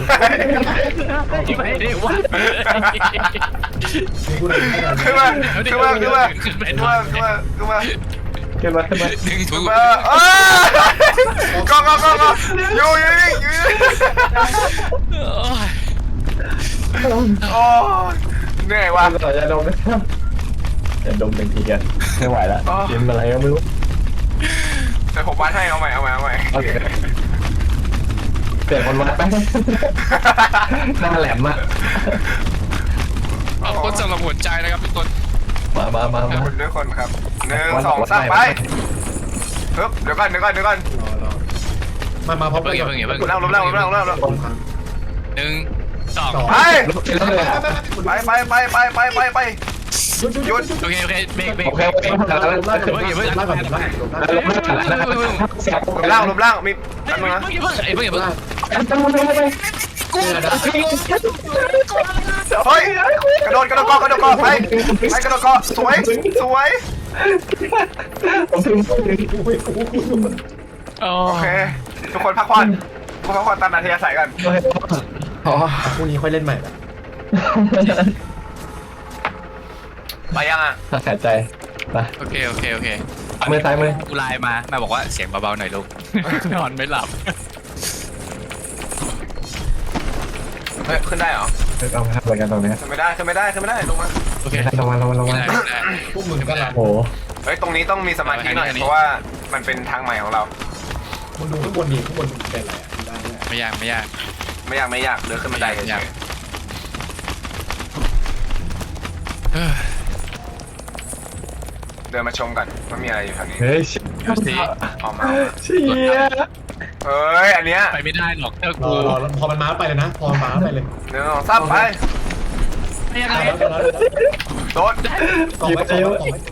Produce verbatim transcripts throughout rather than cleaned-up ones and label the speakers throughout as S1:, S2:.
S1: ไม่ได้ว่า
S2: กูเลย
S3: ขึ้นมาขึ้นมาขึ้นมาขึ้นมาขึ้นมาขึ้นมา
S4: ขึ้นมาขึ้นมา
S1: ดึงถู
S3: ขึ้น
S1: ก
S3: มาเอ้ยก็ก็ก็ก็อยู่อยู่อยู่โอ้เหนื่อยว่ะ
S4: เราจะดมนะครับจะดมเป็นทีกันไม่ไหวแล้วกินอะไรก็ไม่รู้
S3: แต่ผมวัดให้เอาใหม่เอาใหม่เอาใหม่
S4: โอเคเสียคนวัดไปหน้าแหลมอ่ะ
S1: เอาคนสำหรับหัวใจนะครับทุกคน
S4: มามามามา
S3: คนด้วยคนครับหนึ่งสองสามไปปึ๊บเดี๋ยวก่อนเดี๋ยวก่อนเดี๋ยวก่อน
S2: รอรอมามาพร้อม
S1: เพิ่
S2: กั
S1: ง
S2: น
S1: อย่าเพิ่งอย่าเพิ่ง
S3: เล่าเล่าเล่าเล่าเล่า
S1: หนึ่งสอง
S3: ไป
S2: ไป
S3: ไปไปไปไปไปไปไป
S2: หยุดหยุด
S1: โอเคโอเคเบรกเบรก
S4: โอเคโอเค
S2: ลงล่างก่อนลงล่างก่อนลงล่างก่อน
S3: ลมล่างลมล่างมี
S1: ไอ้
S3: แป๊บนึงนะ
S1: เพิ่งไอ้เพิ่งอย่าเพิ่ง
S2: กู
S3: เฮ้ยกระโดดกระโดดเกาะกระโดดเกาะไปไปกระโดดเกาะสวยสวย
S4: ผมถึง
S1: โอ
S3: โอเคทุกคนพักผ่อนทุกคนพักผ่อนตามนาทีอาศัยกัน
S4: อ๋อ
S2: พรุ่งนี้ค่อยเล่นใหม่ละ
S3: ไปยังอ่ะ
S4: หายใจไป
S1: โอเคโอเคโอเค
S4: มือซ้ายมือ
S1: กูไลน์มาแม่บอกว่าเสียงเบาๆหน่อยลูกนอนไม่หลับ
S3: เฮ้ยขึ้นได้เหรอ
S4: เอาทำอะไรกันตรงนี้
S3: ขึ้นไม่ได้ขึ้นไม่ได้ขึ้นไม่ได้ลงมา
S1: โอเค
S4: ลงมาลงมาลงมา
S2: พวกมึงก็ลา
S4: โอ้โห
S3: เฮ้ยตรงนี้ต้องมีสมาธิหน่อยเพราะว่ามันเป็นทางใหม่ของเรา
S2: มึงดูข้างบนดิข้างบนเป็นอะไรได้เนี่ย
S1: ไม่ยากไม่ยาก
S3: ไม่อยากไม่อยากเดินขึ้นบันไดเฉยเดินมาชมกันว่ามีอะไรอยู่แถวนี้
S4: เฮ้ย
S1: ดูสิ
S3: ออกมา
S4: เชี่ย
S3: เอ้ยอันเนี้ย
S1: ไปไม่ได้หรอกเจ้าร
S2: อ
S1: กู
S2: รอพอมันมาไปเลยนะพอมันมาไปเลย
S3: หนึ่งสองสามไป
S1: ไม่ยังไง
S3: โดด
S2: กล่องไว้กล่องไว้กล่องไว้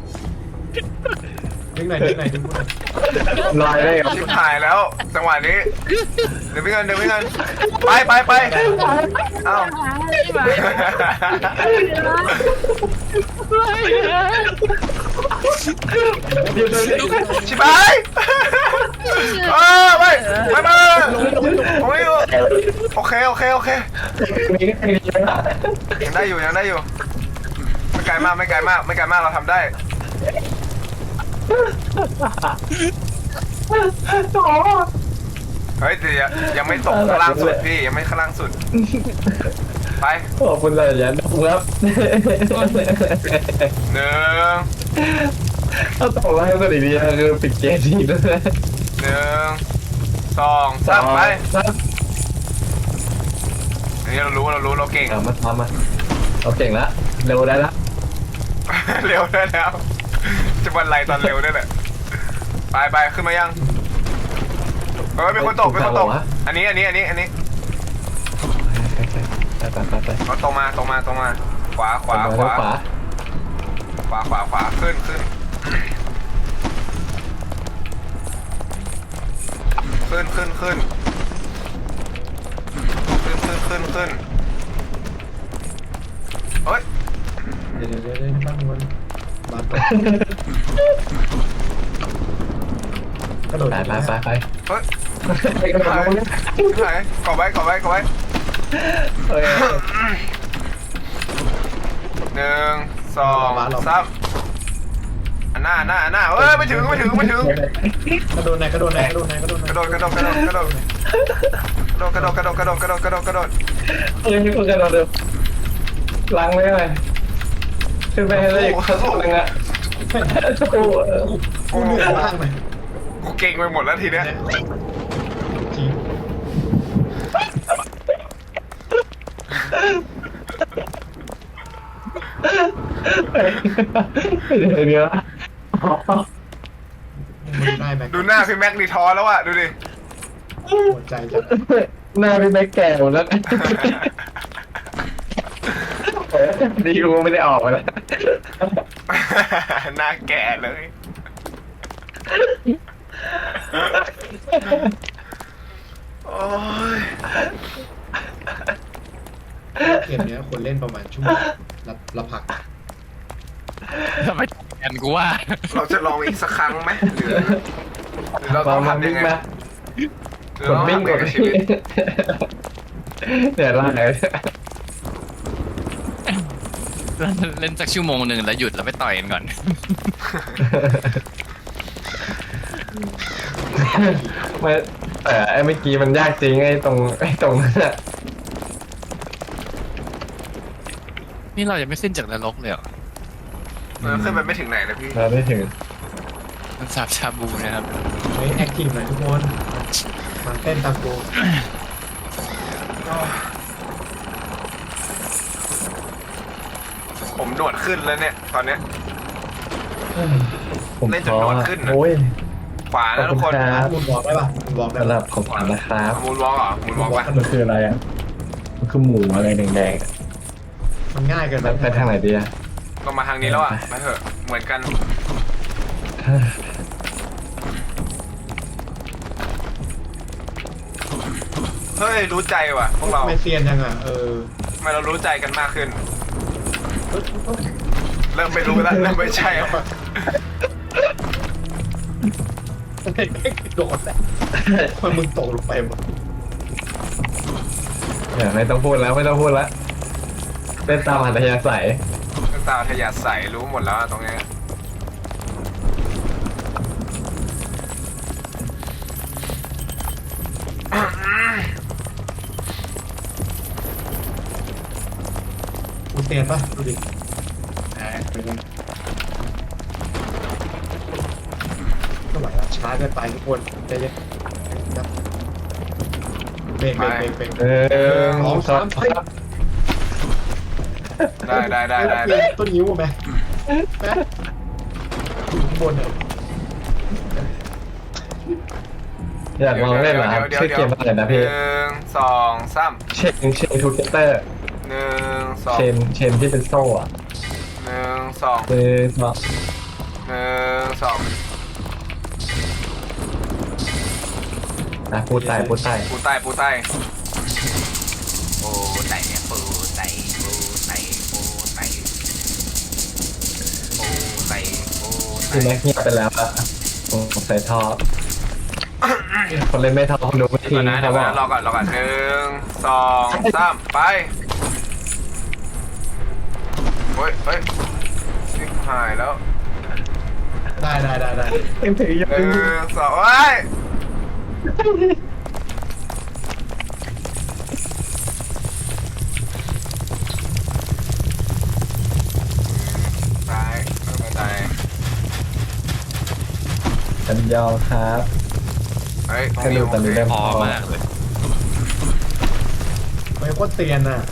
S2: ดึงหน่อยดึงหน่อยดึงหน่อย
S4: ลอยได้ครับ
S3: ชิบหายแล้วจังหวะนี้เดี๋ยวไม่เงินเดี๋ยวไม่เงินไปไปไปเอ้าชิบหายเออไปไปไปโอ้ยโอเคโอเคโอเคยังได้อยู่ยังได้อยู่ไม่ไกลมากไม่ไกลมากไม่ไกลมากเราทำได้เฮ้ยแต่ยังไม่ตกข้างล่างสุดพี่ยังไม่ข้างล่างสุดไป
S4: ขอบคุณเลยยันครับ
S3: หนึ่ง
S4: ถ้าตกแล้วให้ก็ดีๆคือปิดเกมทีแล้วนะ
S3: หนึ่งสองสามไปอันนี้เรารู้เรารู้เราเก่ง
S4: เอามาทำมาเราเก่งแล้วเร็วได้ละ
S3: เร็วได้แล้วจะวันไรตอนเร็วได้แหละไปไปขึ้นมายังเฮ้ยมีคนตกมีคนตกอันนี้อันนี้อันนี้อันนี้
S4: ไปไปไปไป
S3: เอาตรงมาตรงมาตรงมาขวาขวาขวา
S4: ขวา
S3: ขวาขวาขวาขึ้นขึ้นขึ้นขึ้นขึ้นขึ้นขึ้นขึ้นขึ้นเฮ้ย
S2: เดี๋ยวเดี๋ยวเดี๋ยวตั้งมันบานตกกระโดด
S4: ไปไปไปไป
S3: เฮ้ย
S4: ไปกันไป
S3: ไหนกอไว้กอไว้กอไว้
S4: เฮ้ย
S3: หนึ่งสองสามอันหน้าหน้าหน้าเฮ้ยไม่ถึงไม่ถึงไม่ถึง
S2: กระโดดไหนกระโดดไหนกระโดดไหนกระโดดไหน
S3: กระโดดกระโดดกระโดดกระโดดกระโดดกระโดดกระโดดกระโดดกระโดดกระโดด
S4: เฮ้ยพี่คนกันเราเดิมล้างไว้เลยขึ้นไปให้เลยขั้นตอนนึงอะโอ้
S2: กูเหนื่อยมากเลย
S3: กูเก่งไปหมดแล้วทีเนี้ย
S2: จริง
S4: เดี๋ยวเดี๋ยว
S2: มึงได้ไหม
S3: ดูหน้าพี่แม็กนี่ท้อแล้วอะดูดิ
S2: หัวใจจะ
S4: หน้าพี่แม่แก่หมดแล้วดีกูไม่ได้ออกมาแล้ว
S3: หน้าแก่เลยโอ้ย
S2: เกมเนี้ยคนเล่นประมาณชั่วโมงละละผัก
S1: ทำไมแอนกูว่า
S3: เราจะลองอีกสักครั้งไหมหรือหรือเราต้องทำยังไง
S4: มา
S3: หรือเราต้องทำยังไงกับชีวิต
S4: เนี่ยล่างเลย
S1: เล่นสักชั่วโมงหนึ่งแล้วหยุดแล้วไปต่อยกันก่อน
S4: ไม่แต่ไอ้เมื่อกี้มันยากจริงไอ้ตรงไอ้ตรงนั้นอะ
S1: นี่เรายังไม่ขึ้นจากนรกเลยเหรอ
S3: เออขึ้นไปไม่ถึงไหนเลยพี่
S4: เราได้ถึง
S1: มันสาบชาบูนะครับ
S2: เฮ้ยแอคทีฟหน่อยทุกคนมาเต้นตามกู
S3: ผมหนวดขึ้นแล้วเนี่ยตอนเนี้ย
S4: ผม
S3: เล่นจน
S4: ท้อน
S3: อนขึ้นอะ
S4: โอ้ย
S3: ขวา
S4: ขอบ
S3: นะ
S4: คุ
S3: ทุ
S4: ณ
S3: กคน
S4: ครับ
S2: มูนบอกได้ป่ะมูนบอกได้
S4: สำหรั
S2: ป่ะ
S4: บของขวัญนะครับ
S3: มูนวอล์กเหรอมูนวอล์กปะ
S4: มันคืออะไรอ่ะมันคือหมูอะไรแดงๆอะ
S2: มันง่ายเกิน
S4: มันไปทางไหนดีอ่ะ
S3: ก็มาทางนี้แล้วอ่ะมาเถอะเหมือนกันเฮ้ยรู้ใจว่ะพวกเรา
S2: ไม่เซียนยังอ่ะเออ
S3: ทำไมเรารู้ใจกันมากขึ้น เริ่มไม่รู้แล้วเริ่มไม่ใช่แล้ว
S2: โดดแหละมันมึงตกลงไปหมด
S4: เนี่ยไม่ต้องพูดแล้วไม่ต้องพูดแล้วเต้นตามอัธยาศัย
S3: ตาทะยาใสรู้หมดแล้วอะตรงเนี้ย
S2: กูเซียนป่ะดูดิแหมเป็นไงก็ไหวแล้วช้าเกินไปทุกคนใจเย็นครับเบรกเบรกเบรกเบรก
S4: เออ
S2: สองสาม
S4: ค
S2: สี่
S4: รับ
S3: ได้ได้ได้ได้ได้
S2: ต้นนิ้วไหมแม่อยู่ข้างบนเนี่ย
S4: อยากลองเล่นเหรอครับ
S3: ดี๋ยว
S4: ชื่อ
S3: ดี๋ยว
S4: เกมอะไรนะ
S3: ห
S4: พี่
S3: นึ่งสองสาม
S4: เชนเชนทูเกเตอร์
S3: หนึ่งสอง
S4: เชนเชนที่เป็นโซ่อะ
S3: หนึ่งสอง
S4: คือเนาะ
S3: หนึ่งสอง
S4: นะพูดใต้พูดใต้
S3: ปูใต้ปูใต้ปูใต้ปูใต้ปูใต้ปูใต้ปูใต้ปูใต้
S4: ที่แม็กเงียบไปแล้วอะผมใส่ท่อคนเล่นไม่ท่อคนดูไม่ทิ้
S3: ก่อง นนะ
S4: ค
S3: เดี๋
S4: รั
S3: ย
S4: บ
S3: ว
S4: ว่า
S3: ก่อนรอก่อนรอก่อนหนึ่งสองสามไปเฮ้ยเฮ้ยชิบหายแล้ว
S2: ได้ได้ได้ได้
S4: ยังถืออยู่
S3: หนึ่งสองเฮ้ยตายไม่ตาย
S4: จันยองครับ
S3: เฮ้ยตรง
S4: แค่
S3: นี้
S4: ดู
S3: โอ
S4: ตอนนี้
S3: เค
S4: เริ่ม
S1: พ
S4: พ
S1: อ
S4: อ
S1: มากเลย
S2: ไม่โคตรเซียนอ่ะ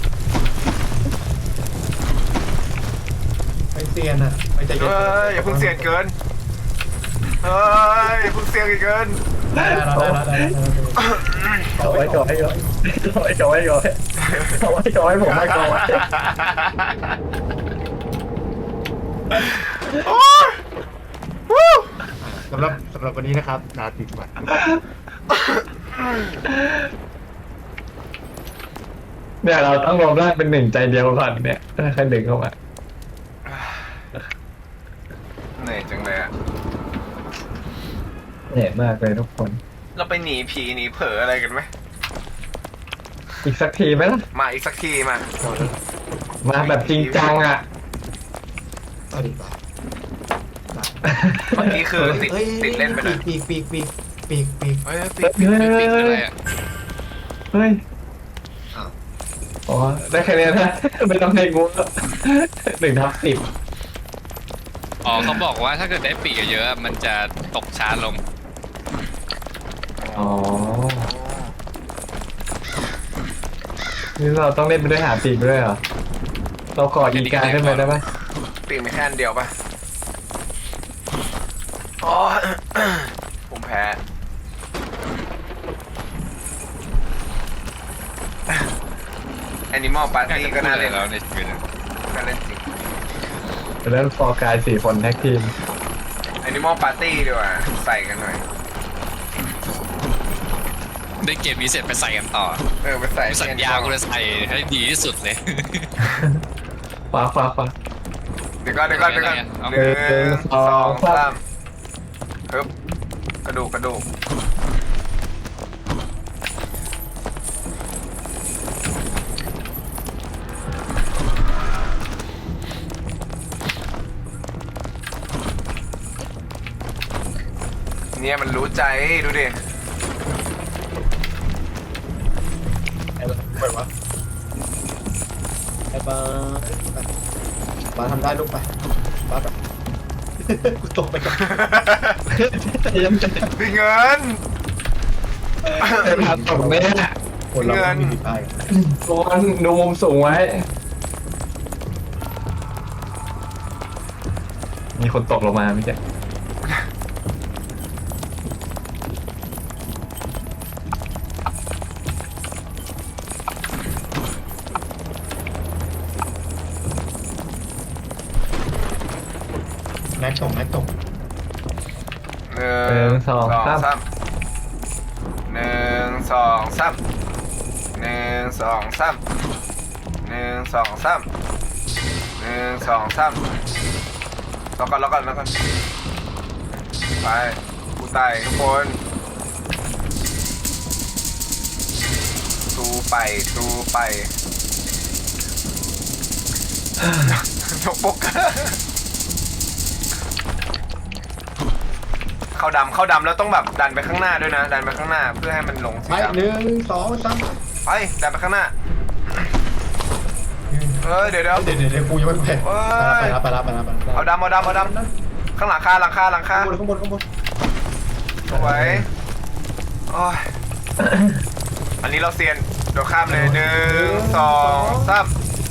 S2: ไม่เซียนอ่ะไม่ใจเย็น
S3: เฮ้ยอย่าเพิ่งเสียงเกินเฮ้ยอย่าเพิ่งเสียงอีกเกิน
S2: ได้ได้ได้ได้ได้
S4: เอาไว้ก่อนให้ก่อนเอาไว้ก่อนให้ก่อนเอาไว้ก่อนให้ผมไม่ก่อน
S3: โอ้ยวู้
S2: สำหรับสำหรับวันนี้นะครับนาติดวัน
S4: เนี่ยเราต้องรวมร่างเป็นหนึ่งใจเดียวก่อนเนี่ยค่อยดึงเข้ามา
S3: เหนื่อยจังเลยอะ
S4: เหนื่อยมากเลยทุกคน
S3: เราไปหนีผีหนีเผลออะไรกันไหม
S4: อีกสักทีไหมล่ะ
S3: มาอีกสักทีมา
S4: มาแบบจริงจังอ่ะ
S2: สวัสดีครับ
S3: เมื่อกี้คือติดติดเล่นไปเลย
S2: ปีกปีกปีกปีกปีก
S3: เฮ้ยปิ
S1: ปิ
S3: ด
S1: ดปิดปิดคืออะไรอ่ะ
S4: เฮ้ย
S2: อ้าว
S4: อ๋อได้แค่นี้นะไม่ต้องให้งูหนึ่งทับสิบ
S1: อ๋อเขาบอกว่าถ้าเกิดได้ปีกเยอะๆมันจะตกช้าลง
S4: อ๋อนี่เราต้องเล่นไปด้วยหาปีกด้วยเหรอเราก่ออีกาขึ้นไปได้ไหม
S3: ปิดไม่แค่อันเดียวปะอ๋อผมแพ้แอนิมอลปาร์ตี้ก็น่าเล่น
S1: แล้วในชีวิต
S3: น่าเล่นจริง
S4: เล่นฟอร์กายสี่คนแท็กทีม
S3: แอนิมอลปาร์ตี้ดีกว่าใส่กันหน่อย
S1: ได้เกมนี้เสร็จไปใส่กันต่อ
S3: เออไปใส่
S1: กูสัญญากูจะใส่ให้ดีที่สุดเลย
S4: ฟ้าฟ้าฟ้า
S3: เดี๋ยวก่อนเดี๋ยวก่อนเดี๋ยวก่อน
S1: เอา
S3: หนึ่ง
S4: หนึ่ง
S3: สอง
S4: สอง
S3: สามฮึบกระดูกกระดูกเนี่ยมันรู้ใจดูดิ
S2: ไอ้ละไปวะไอ้บ้าบ้าทำได้ลูกไปบ้าไปกูตกไปก่อนยังจะ
S3: พี่เงิน
S4: ไอ้พันตกเนี่ย
S2: คนเราไม่มีผิดพลาด
S4: โดนดูมุมสูงไว้ มีคนตกลงมาไม่ใช่
S2: แม็กตกแม็กตก
S3: หนึ่งสองสามหนึ่งสองสามหนึ่งสองสามหนึ่งสองสามหนึ่งสองสามแล้วกันแล้วกันแล้วกันไปกูตายทุกคนตูไปตูไปยกปกเข้าดำเข้าดำแล้วต้องแบบดันไปข้างหน้าด้วยนะ ดันไปข้างหน้าเพื่อให้มันลงสี
S2: ไป
S3: ดำ
S2: หนึ่งสองสาม
S3: ไปดันไปข้างหน้าเออเดี๋ยวเดี๋ยว
S2: เดี๋ยวเดี๋ยวกูยังไม่ไปไปรับไปรับไปรับไปรับ
S3: เอาดำเอาดำเอาดำข้างหลังคาหลังคาหลังคา
S2: ข้างบนข้างบนข้างบน
S3: สวยโอ้ยอันนี้เราเซียนเดี๋ยวข้ามเลยหนึ่งสองสาม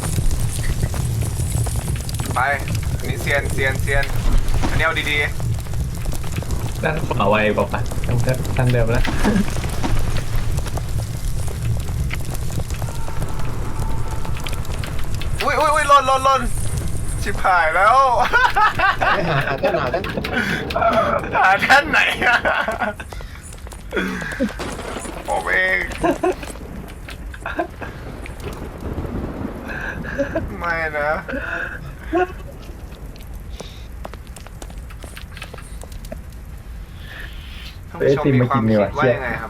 S3: ไปอันนี้เซียนเซียนเซียนอันนี้เอาดี
S4: ด้านขวาไวบอกปะทางทางเดิมแล้ว
S3: ๆอุ้ยอุ้ยอุ้ยหล่นหล่นหล่นชิบหายแล้ว
S2: ไปหาหาแค่หนาแค่
S3: หาท่านไหนอะผมเองไม่นะท่านผู้ชมมีความคิดว่ายังไงครับ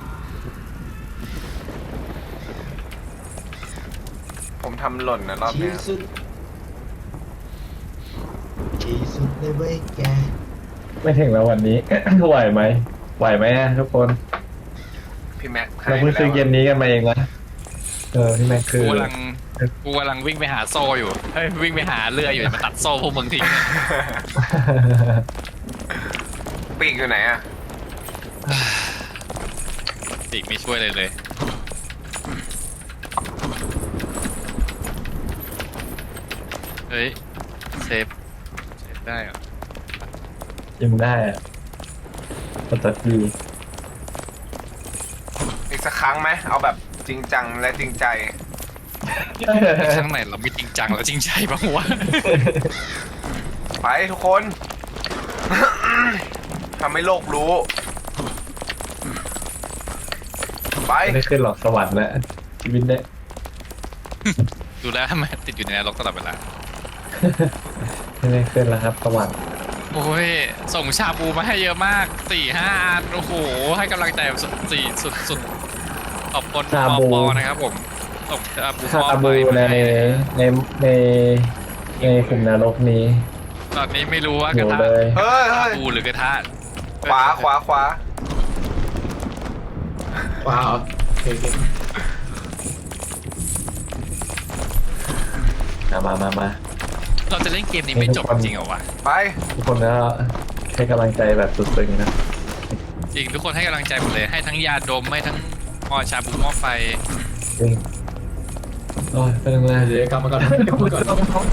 S3: ผมทำหล่นนะรอบ
S2: ที่
S3: เนี้ย
S2: สุดที่สุดเลยเว้ยแก
S4: ไม่ถึงแล้ววันนี้ ไหวไหมไหวไหมอะทุกคน
S3: พี่แม็ก
S4: เราเพิ่งซื้อเกมนี้กันมาเองนะเออพี่แม็กคื
S1: กู
S4: อ
S1: กำลังกูกำลังวิ่งไปหาโซ่อยู่เฮ้ยวิ่งไปหาเรืออยู่มาตัดโซ่พวกมึงทิ้ง
S3: ปีกอยู่ไหนอะ
S1: ติไม่ช่วยเลยเลยเฮ้ยเซฟเซฟได้เหรอ
S4: ยิงได้อะปกติ
S3: อีกสักครั้งไหมเอาแบบจริงจังและจริงใจ
S1: ครั้งไหนเราไม่จริงจังแล้วจริงใจบ้างวะ
S3: ไปทุกคน ทำให้โลกรู้ ไป
S4: ไม่ได้ขึ้นหรอกสวรรค์แล้วชีวิตเนี่ย
S1: ดูแล้วทำไมติดอยู่ในนรกตลอดเวลา
S4: ไม่ได้ขึ้นแล้วครับสวรรค์
S1: โอ้ยส่งชาบูมาให้เยอะมากสี่ห้าอันโอ้โหให้กำลังใจสุดสี่สุดสุดขอบคุณปอปอนะครับผมส่งชาบู
S4: คา
S1: ปอ
S4: บู
S1: ไป
S4: ใน
S1: ให้
S4: ในในในขุมนรกนี้
S1: ตอนนี้ไม่รู้ว่า
S4: อก
S1: ระ
S4: ยู่
S1: ทะ
S4: เลย
S3: เฮ้ย
S1: ชา
S3: เฮ้ย
S1: บูหรือกระทะ
S3: ขวาขวาขวา
S2: ว้าวโอเคโอเค
S4: มามามามา
S1: เราจะเล่นเกมนี้ไม่จบจริงเหรอวะ
S3: ไป
S4: ทุกคนก็ให้กำลังใจแบบสุดซึ้งนะ
S1: จริงทุกคนให้กำลังใจหมดเลยให้ทั้งยาดมให้ทั้งหม้อชาบูหม้อไฟ
S4: จริงโอ้ยเป็นไง
S2: เดี๋ยวกลับมาก่อนกลับมาก่อน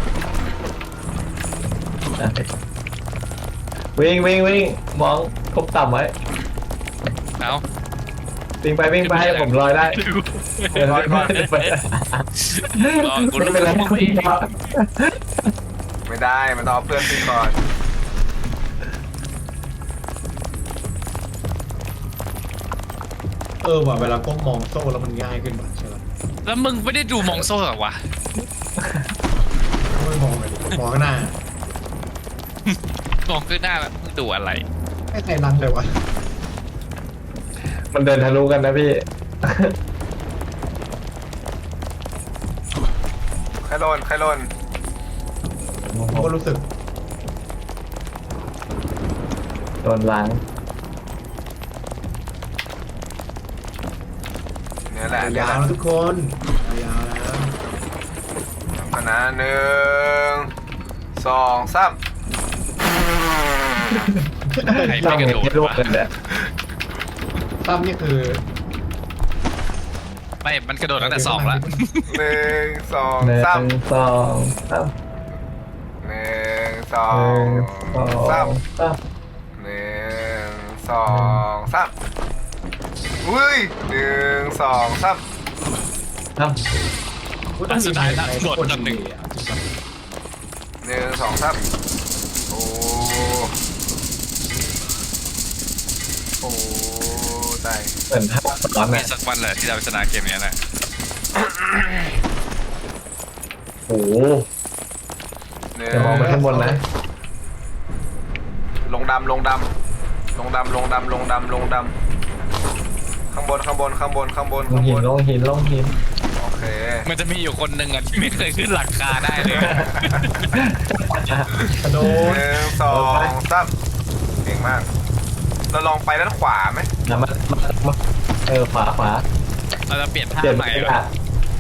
S4: อ่ะวิ่งวิ่งวิ่งมองคบต่ำไว้
S1: เอ้า
S4: วิ่งไปวิ่งไปให้ผมลอยได้เออ
S3: ลอยก่อน
S4: ไป
S1: รอกู
S4: ไม่
S1: รู้
S4: เป็นไร
S1: ว่า
S4: คุ
S1: พี่
S4: ณพ่อ
S3: ไม่ได้ มันต้องเอาเพื่อนขึ้นก่อน
S2: เออว่ะเวลาก้มมองโซ่แล้วมันง่ายขึ้นว่ะใช่ไหม
S1: แล้วมึงไม่ได้ดูมองโซ่เหรอวะ
S2: ไม่มองเลยมองข้างหน้าม
S1: องขึ้นหน้าแล้วมึงดูอะไร
S2: ไม่ใครรันเลยวะ
S4: มันเดินทะลุกันนะพี่
S3: ใครโดนใครโดน
S2: ผมก็รู้สึก
S4: โดนล้าง
S3: แหละเนี่ย
S2: ยา
S3: แห
S2: ว
S3: ละ
S2: แล้วทุกคนยาวแล้ว
S3: คณะหนึ่งสองสาม
S1: ใคร
S4: ต้อ
S1: ไม่
S4: ง
S1: กระโดด
S4: ให้ลูก
S1: วะ
S4: กันเนี่ย
S2: ตั้มนี่คือ
S1: ไม่ มันกระโดดตั้งแต่สองแล้ว
S3: หนึ่งสอง
S4: หนึ่
S3: สาม
S4: งสองสาม
S3: หนึ่งสอ
S4: หนึ่
S3: ง
S4: งสอง
S3: สาม
S4: สาม
S3: หนึ่งสองสามอุ้ยหนึ่งสองสาม
S4: สาม
S2: กูต้อง
S1: สุดท้ายนะ
S2: ใคร
S1: โดด
S2: คน
S1: จนหนึ่ง
S2: ดีอะ
S3: หนึ่งสองสามโอ้โอ้ตาย
S4: เหมือนภาพซ้อน
S1: มี
S4: อ่ะ
S1: สักวันเลยที่เราชนะเกมนี้แหละ
S4: โอ้โห
S3: หนึ่ง
S4: เดี๋ยวมองไปข้างบนนะ
S3: ลงดำลงดำลงดำลงดำลงดำลงดำข้างบนข้างบนข้างบนข้างบน
S4: ลง
S3: ข้างบ
S4: หิน
S3: น
S4: ลงหินลงหิน
S3: โอเค
S1: มันจะมีอยู่คนหนึ่งอ่ะที่ไม่เคยขึ้นหลังคาได้เลย
S2: กระโด
S3: ห
S2: ด
S3: นึ่งสองสามเก่งมาก เราลองไปด้านขวาไหม
S4: นะมามามาเออขวาขวา
S1: เราจะเปลี่ยนท่า
S4: เปลี่ยน
S1: ใหม่
S4: ไป
S1: เหรอ
S4: อ่ะ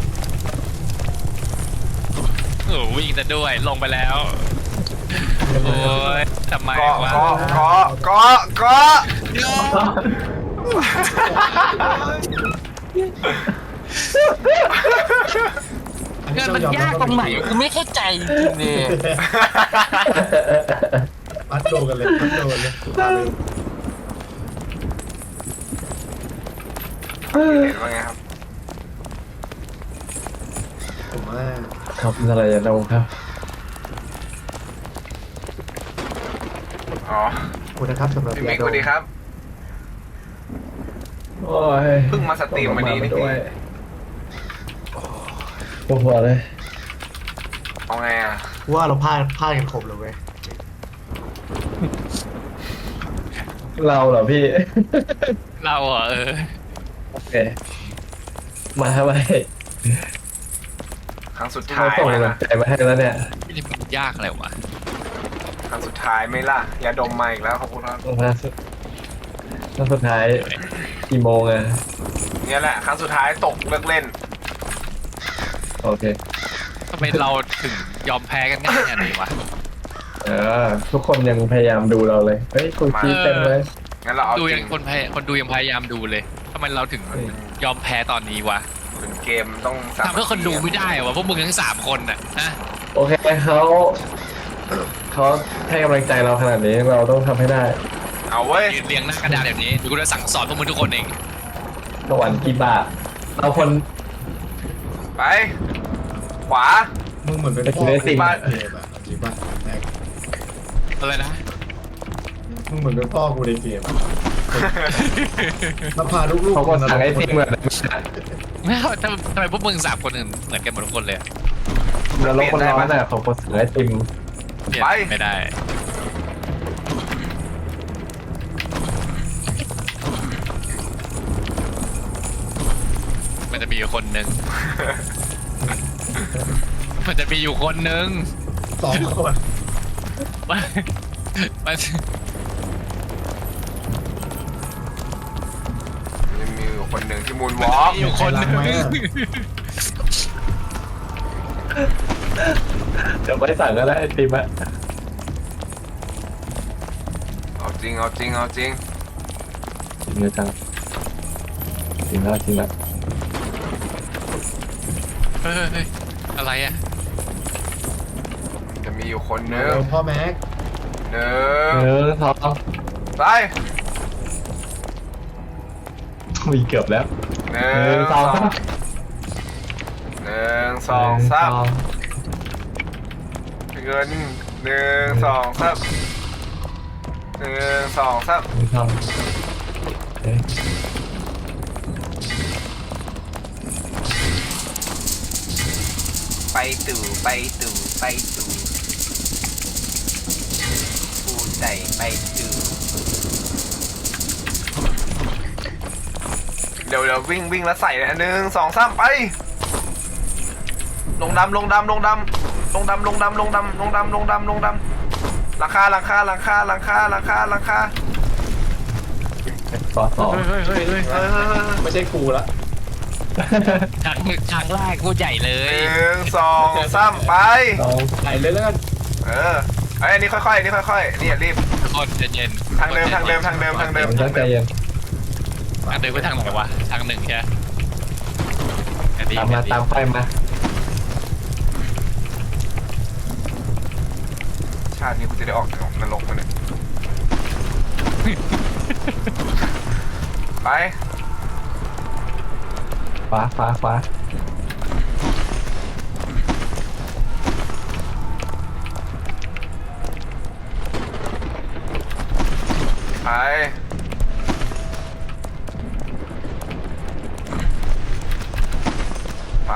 S1: โอ้โหวิ่งจะด้วยลงไปแล้ว โอ้ยทำไม
S3: เกาะ
S1: วะ
S3: เกาะเกาะเกาะเกาะ
S1: เงินมันยากตรงไหนกูไม่เข้าใจจริงๆเนี่ย
S2: พัดโดนกันเลยพัดโดนเลยตาลืม
S3: เห็นว่าไงครับ
S2: ผมว่า
S4: ครับอะไรอย่าลงครับ
S3: อ๋อ
S2: ขอบคุณนะครับสำหรับ
S3: พี่มิก
S2: ยา
S3: สวัสดีครับ
S4: โอ้ย
S3: เพิ่งมาสตรีมวันนี้นี่
S4: ด้วยปวดหัวเลย
S3: เอาไงอ่ะ
S2: ว่าเราพลาดพลาดกันครบเลยเว้ย
S4: เราเหรอพี่
S1: เราเหรอเออ
S4: โอเค มาทำไม
S3: ครั้งสุด
S4: เขา
S3: ท้าย
S4: ส่ง
S3: ไหม
S4: กำลั
S3: ล่ะ
S4: งใจมาให้แล้วเนี่ย
S1: นี่มันยากอะไรวะ
S3: ครั้งสุดท้ายไหม่ล่ะยาดมมาอีกแล้วขอบคุณครับ
S4: มาสุดแล้วสุดท้ายกี่โมงอะ
S3: เนี่ยแหละครั้งสุดท้ายตกเลิกเล่น
S4: โอเค
S1: ทำไมเราถึงยอมแพ้กันง่ายอย่างนี้วะ
S4: เออทุกคนยังพยายามดูเราเลย เฮ้ยคุยคีเต็มเลย
S3: งั้นเราเอา
S1: ดู
S3: จ
S1: ยั
S3: ริ
S1: ง
S3: ง
S1: คนพยคนดูยังพยายามดูเลยทำไมเราถึงยอมแพ้ตอนนี้วะ
S3: ถึงเกมต้องสา
S1: ทำเพื่อคนดูไม่ได้เหรอวะพวกมึงทั้งสามคนน่ะฮะ
S4: โอเคเขาเขาให้กำลังใจเราขนาดนี้เราต้องทำให้ได้
S3: เอาเว้ย
S1: ยืนเรียงหน้ากระดานแบบนี้เดี๋ยวกูจะสั่งสอนพวกมึงทุกคนเอง
S4: สวรรค์กี่บาทเราคน
S3: ไป ขวา
S2: มึงเหมือนเป็นพ่อ
S4: ไปกินไอติม
S2: บ้านเกมอะจริงป่ะแม็ก
S1: อะไรนะ
S2: มึงเหมือนเป็นพ่อกูในเกมอะมาพาลูกๆ
S4: เขาก็สั่งไอติมเหมือน
S1: ไม่เอาทำทำไมพวกมึงสามคนอื่นเหมือนกันหมดทุกคนเลยอะ
S4: แล้วรถคนร้อนน่ะเขาก็สั่งไอติม
S1: เปลี่ยน
S3: ไป
S1: ไม่ได้ มันจะมีอยู่คนหนึ่ง มันจะมีอยู่คนหนึ่ง
S2: สองคน
S1: มันมัน
S3: ยังมีอยู่คนหนึ่งที่มูนว
S1: มัน
S3: อล์ก
S1: มีอยู่คนหนึ่ง
S4: เดี๋ยวไปสั่งก็ได้ไอติมอะ
S3: เอาจริงเอาจริงเอาจริง
S4: จริงเลยจังจริงแล้วจริงแล้ว
S1: เฮ้ยเฮ้ยเฮ้ยอะไรอ่ะ
S3: จะมีอยู่คนหนึ่ง
S2: เร็วพ่อแม็ก
S3: หนึ่ง
S4: เออสอง
S3: ไป
S4: มีเกือบแล้ว
S3: หนึ่
S4: หนึ่
S3: ง
S4: ง
S3: ส
S4: ส
S3: อ
S4: อง ง
S3: หนึ่งสองสามเงินหนึ่งสองสามหนึ่งสองสาม
S4: หนึ่งสองเอ๊ะ
S3: ไปตู่ไปตู่ไปตู่ปูใจไปตู่เดี๋ยวเดี๋ยววิ่งวิ่งแล้วใส่เลยหนึ่งสองสามไป ลงดำลงดำลงดำลงดำลงดำลงดำลงดำลงดำลงดำหลังคาหลังคาหลังคาหลังคาหลังคาหลังคา
S4: ต่อสอง
S1: เฮ้ยเฮ้ยเฮ้ยเฮ้ย
S3: เออ
S2: ไม่ใช่กูละ
S1: ครั้งครั้งแรกกูใหญ่เล
S3: ห
S1: ย
S3: นึ่งสองสามไป
S4: สอง
S2: ไหนเลยแล้วกัน
S3: เออไอ้ยอันนี้ค่อยๆอันนี้ค่อยๆนี่อย่ารีบ
S1: ทุกคนใจเย็น
S3: ทางเดิมทางเดิมทางเดิมทางเดิ
S4: ผมตั้งใจเย็น
S1: ทางเดิมไปทางไหนวะทางหนึ่งใช่ไหมอันนี้
S4: ตามมาตามไฟมา
S3: ชาตินี้กูจะได้ออกจากนรกมาเนี่ยไป
S4: ฟ้าฟ้าฟ้า
S3: ไปไป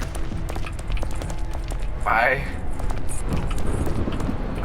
S3: ไปไป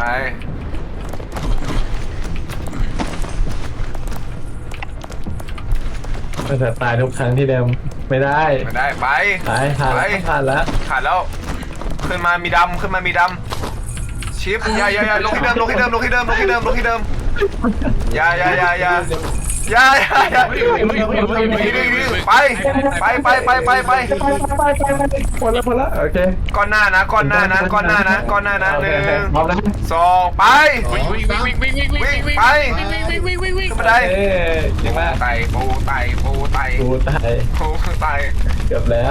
S4: มันจะตายทุกครั้งที่เดิมไม่ได้
S3: ไม่ได้ไป
S4: ตายผ่าน
S3: ไป
S4: แล้วผ่านแล้ว
S3: ขาดแล้วขึ้นมามีดำขึ้นมามีดำชิปอย่าอย่าอย่าลงที่เดิมลงที่เดิมลงที่เดิมลงที่เดิมลงที่เดิมอย่าอย่าอย่าอย่าอย่าอย่าอย่าไปไปไปไปไปไป
S4: หมดแล้วหมดแล้วโอเค
S3: ก้อนหน้านะก้อนหน้านะก้อนหน้านะก้อนหน้านะ
S4: โอ
S3: ห
S4: เค
S3: นึ่ง
S4: พร้อมแล้ว
S3: สองไป
S1: วิ่งวิ่งวิ่งวิ่งวิ่งวิ่งวิ่งวิ่ง
S3: ไป
S1: วิ่งวิ่งวิ่งวิ่ง
S3: ขึ้นมาได้
S4: เอ้ยเก่งมาก
S3: ไต่ปูไต่ปูไต่
S4: กูตาย
S3: ปูไต่
S4: เกือบแล้ว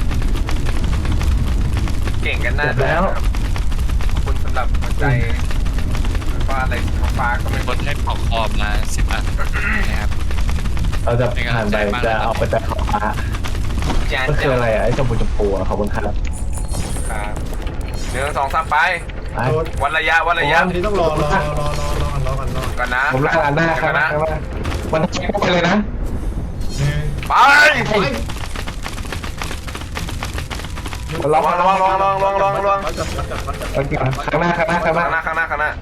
S3: เก่งกันนะ
S4: เสร็จแล้ว
S3: ขอบคุณสำหรับหัวใจว่าอะไรฟ้าก็ไม่
S1: บนให้เผาคอมละสิบอันนะครับ
S4: เราจะผ่านไปจะเอาไปแต่ขอฟ้า
S3: จาน
S4: มันคืออะไรอ่ะไอ้ชมพูชมพูอ่ะขอบคุณครับ
S3: ครับหนึ่งสองสามไป
S4: ไป
S2: โดน
S3: วันระยะวันระยะ
S2: อันนี้ต้องรอรอรอรอรอรอกันรอกันรอ
S3: ก่อนนะ
S4: ผมรักงานหน้าค
S3: ก่
S4: รั
S3: อบ นนะ
S4: มันใช้ไปเลยนะ
S2: หนึ่ง
S3: ไป
S2: ไประ
S4: วัง
S3: ระวังระวังระวังระวังระวังระวัง
S2: วัดจับวัดจับวัดจับ
S4: ข้างหน้าข้างหน้าข้างหน้า
S3: ข้างหน้าข้างหน้าข้างหน้า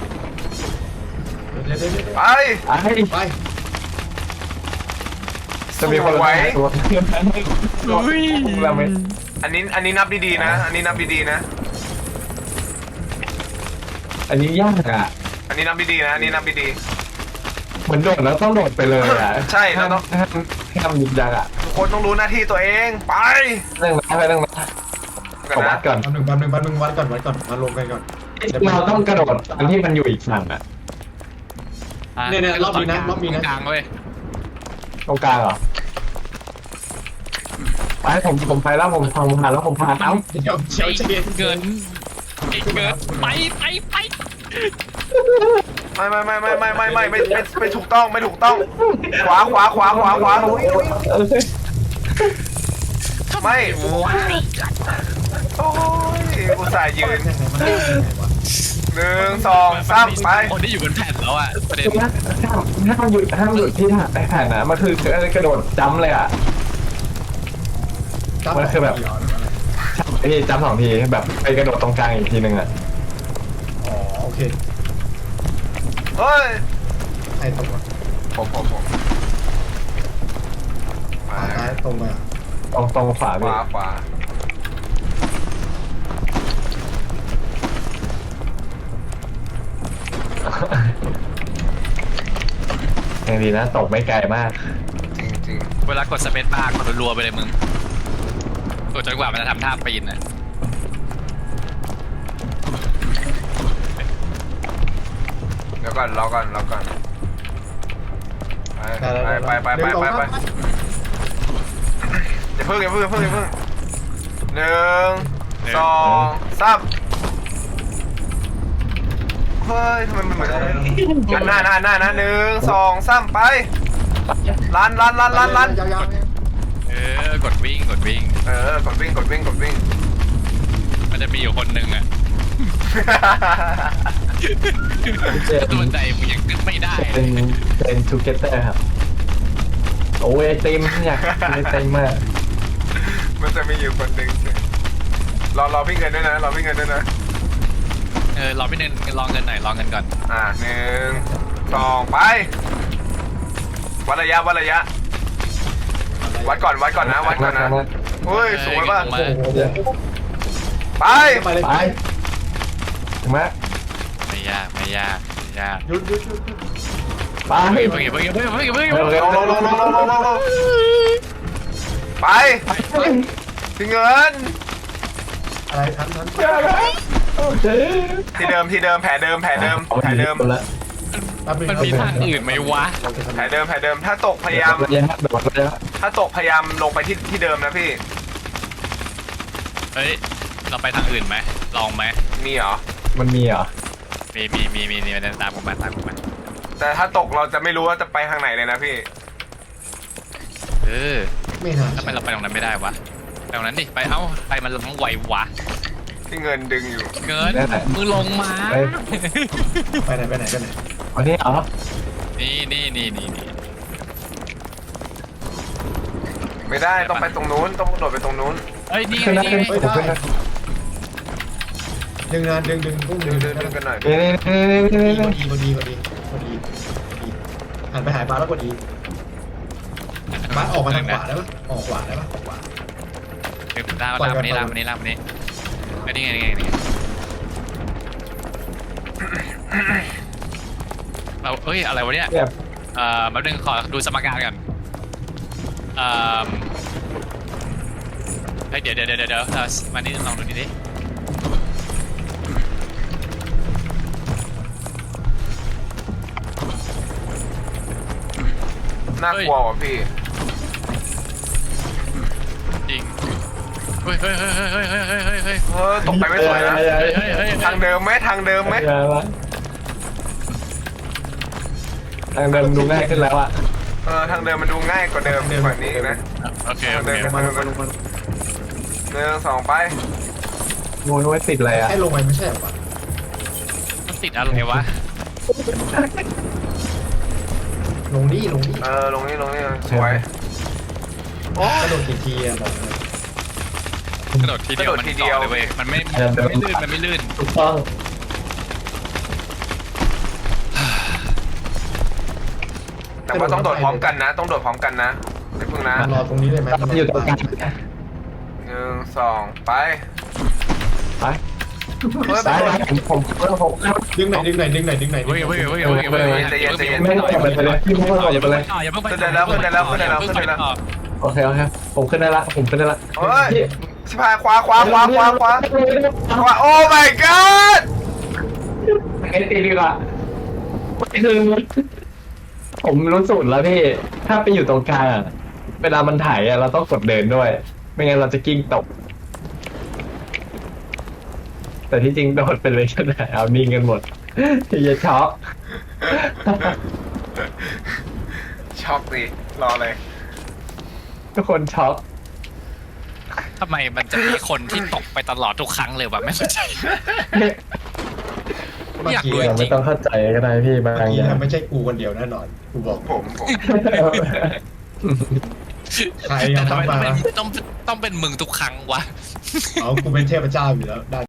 S2: เดี๋ยวเดี๋ยวเดี๋ยวเดี๋ยว
S3: ไป
S4: ไอ้
S2: ไป
S4: จะมีคน
S3: สวย
S4: ตัวเราไม่
S3: อันนี้อันนี้นับดีๆนะ อันนี้นับดีๆนะ
S4: อันนี้ยากอ่ะ
S3: อันนี้นับดีๆนะอันนี้นับดี
S4: เหมือนโดดแล้วต้องโดดไปเลยอ่ะ
S3: ใช่เราต้อง
S4: ห้ามห้ามยิงยากอ่ะ
S3: ๆทุกคนต้องรู้หน้าที่ตัวเองไป
S4: เรื่องนะไปเรื่องนะ
S3: ก่อน
S4: ขอวั
S3: นะ
S4: ดก่อน
S2: วันหนึ่งวันหนึ่งวันหนึ่งวัดก่อนวัดก่อนมาลงกันก่อน
S4: เราต้องกระโดดอันที่มันอยู่อีกฝั่งอ่ะ
S2: เนี่ยเนี่ยรอบนี้นะรอบนี้นะ
S1: กลางเว้ย
S4: ตรงกลางเหรอไปผมผมไปแล้วผมทำผ่านแล้วผมผ่านเอ้า
S2: เดี๋ยวเดี๋ยวเย็น
S1: เกินไอ้เกินไปไปไป
S3: ไม่ไม่ไม่ไม่ไม่ไม่ไม่ไม่ไม่ไม่ถูกต้องไม่ถูกต้อง ขวาขวาขวาขวาขวาไม่โอ้ยอุตส่าห์ยืน
S2: ยังไงมันได้ยังไงวะ
S3: หนึ่งสองสามไป
S1: คนที่อยู่บนแผ่นแล้วอ่ะประเด็น
S4: ห้ามห้ามหยุดห้ามหยุดที่ถ่ายแผ่นนะมันคือกระโดดจ้ำเลยอ่ะ มันคือแบบ ไอ้นี่จ้ำสองทีแบบไปกระโดดตรงกลางอีกทีหนึ่งอ่ะ
S2: อ๋อโอเค
S3: เฮ้ย
S2: ใครตกวะ
S3: ผมผมผม
S2: ขวาซ้ายตรงมา
S4: ตรงตรงฝา
S3: ข
S4: พี่
S3: วาขวา
S4: ยังดีนะตกไม่ไกลมาก
S3: จริงจริง
S1: เวลากดสเปซบาร์กดรัวๆไปเลยมึงกดจนกว่ามันจะทำท่าปีนนะ
S3: เดี๋ยวก่อนรอก่อนรอก่อนไปไปไปไปไปไปอย่าเพิ่งอย่าเพิ่งอย่าเพิ่งอย่าเพิ่งหนึ่งสองสามเฮ้ยทำไมมันเหมือนกันหน้าหน้าหน้านะหนึ่งสองสามไปลันลันลันลันลัน
S2: ยาวๆ
S1: เออกดวิ่งกดวิ่ง
S3: เออกดวิ่งกดวิ่งกดวิ่ง
S1: มันจะมีอยู่คนหนึ่งอ่ะตัวใจมึงยังขึ้นไม่ได้
S4: เป็นเป็นทูเกเตอร์ครับโอ้ยไอติมอยากกินไอติมมาก
S3: มันจะมีอยู่คนหนึ่งรอรอพี่เงินด้วยนะรอพี่เงินด้วยนะ
S1: เออรอพี่เนินรอเงินหน่อยรอเงินก่อน
S3: อ่าหนึ่งสองไปวัดระยะวัดระยะวัดก่อนวัดก่อนนะวัดก่อนนะเฮ้ยสวยป่ะ
S2: โอ้โห
S3: ไป
S2: ไปเลย
S4: ไปถึงไหม
S1: ไม่ยากไม่ยากไม่ยาก
S2: หยุดหยุดหยุดหยุด
S4: ไป
S1: เพิ่งเพิ่งเพิ่งเพิ่งเพิ่งเพิ่งเพิ่ง
S3: ลงลงลงลงลงลงลงไปพี่เงิน
S2: อะไรทันทัน
S3: ที่เดิมที่เดิมแผลเดิมแผลเดิมแผลเดิม
S4: แล้ว
S1: มันมีทางอื่นไหมวะ
S3: แผลเดิมแผลเดิมถ้าตกพยายาม
S4: ระยะโดดระยะ
S3: ถ้าตกพยายามลงไปที่ที่เดิมนะพี่
S1: เฮ้ยเราไปทางอื่นไหมลองไหม
S3: มีเหรอ
S4: มันมีเหรอ
S1: มีมีมีมีมีตามผมมาตามผมมา
S3: แต่ถ้าตกเราจะไม่รู้ว่าจะไปทางไหนเลยนะพี่
S1: เออ
S2: ไม่น่า
S1: ทำไมเราไปตรงนั้นไม่ได้วะไปตรงนั้นดิไปเอ้าไปมันลงไหววะ
S3: พี่เงินดึงอยู่
S1: เกินมึงลงมา
S2: ไปไหนไปไหนไปไหน
S4: วันนี้เหรอ
S1: นี่นี่นี่นี่นี่
S3: ไม่ได้ต้องไปตรงนู้นต้องกระโดดไปตรงนู้น
S1: เฮ้ยนี่ไง
S4: ขึ้นนะ
S1: นี่
S4: ขึ้น
S1: ไง
S4: ผมขึ้นนะ
S2: ดึงนะดึงดึงพุ่ง
S3: ดึ
S2: ดึ
S3: ง
S2: ง
S3: ดึงดึงกันหน่อย
S4: นี่นี่นี่นี่
S2: พอดีพอดีพอดีพอดีหันไปหายปลาแล้วพอดีปลาออกมาทางขวาได้ปะออกขวาได้ปะออกขวา
S1: เดี๋ยวลากลากมานี่ลากมานี่ลากมานี่ไอ้นี่ไงนี่ไงนี่ไงเราเอ้ยอะไรวะเนี่ย
S4: แบบ
S1: เอ่อแป๊บนึงขอดูสมการก่อนเอ่อเฮ้ยเดี๋ยวเดี๋ยวเดี๋ยวเดี๋ยวเรามานี่ลองดูนี่ดิ
S3: น่ากลัวว่ะพี่
S1: จริงเฮ้ยเฮ้ยเฮ้ยเฮ้ยเฮ้ยเฮ้ยเฮ้ยเฮ้ยเฮ้ย
S3: เออตกไปไม่สวยนะ
S1: เฮ้ยเฮ้ยเฮ้ย
S3: ทางเดิมไหมทางเดิมไหม
S4: ทางเดิมดูง่ายขึ้นแล้วอะ
S3: เออทางเดิมมันดูง่ายกว่าเดิมกว่านี้อีกนะ
S1: โอเคโอเค
S2: ลงมาลงมาลงมา
S3: หนึ่งสองไป
S4: งูนู้นติดอะไรอะ
S2: แค่ลงไปไม่ใช่หรอปะ
S1: มันติดอะไรวะ
S2: ลงดิลงดิ
S3: เออลงนี่ลงนี่สวย
S2: กระโดดกี่ทีอะบอกเลย
S1: กระโดดทีเดียวมันต่อเลยเว้ยมันไม่มันไม่ลื่นมันไม่ลื่น
S4: ถูกต้อง
S3: แต่ว่าต้องโดดพร้อมกันนะ ต้องโดดพร้อมกันนะไม่พึ่งนะ
S2: มันรอตรงนี้ได้ไหมมัน
S4: อยู่ตรงกลาง
S3: หนึ่งสองไป
S4: ไป
S3: เฮ้ย
S4: ซ้ายผมผมผม
S2: ดึงไหนดึงไหนดึงไหนดึงไหน
S1: เฮ้ยเฮ้ยเฮ้ยเฮ้ยเฮ้ย
S3: ใจเย็นใจเย็น
S4: ไม่ต้องไปเลยพี่ไม่ต้องไปเลย
S1: อย่าเพิ่งไป
S3: ขึ้นได้แล้วขึ้นได้แล้วขึ้นได้แล้วขึ้นได้แล้ว
S4: โอเคโอเคผมขึ้นได้ละผมขึ้นได้ละ
S3: เฮ้ยชิบหายขวาขวาขวาขวาขวาขวาโอ้ my god
S4: ไอ้ตีดีกว่าคือผมรู้สูตรแล้วพี่ถ้าไปอยู่ตรงกลางอะเวลามันถ่ายอะเราต้องกดเดินด้วย ไม่งั้นเราจะกิ้งตก แต่ที่จริงโดดไปเลยก็ได้เอานิ่งกันหมดอย่าช็อก
S3: ช็อกดิรอเลย
S4: ทุกคนช็อก
S1: ทำไมมันจะมีคนที่ตกไปตลอดทุกครั้งเลยวะไม่เข้าใจ
S2: เมื่อ
S1: อยาก
S2: กี้
S1: รู้
S4: เราไม่ต้องเข้าใจก็ได้พี่บา
S2: เมื่อง
S4: อ
S2: กี้
S4: ย่าง
S2: ไม่ใช่กูคนเดียวแน่นอนกูบอก
S3: ผมผม
S2: ใครยัง
S1: ทำไม
S2: ทำมา
S1: ต้องต้องต้องเป็นมึงทุกครั้งวะ
S2: เอากูเป็นเทพเจ้าอยู่แล้วได้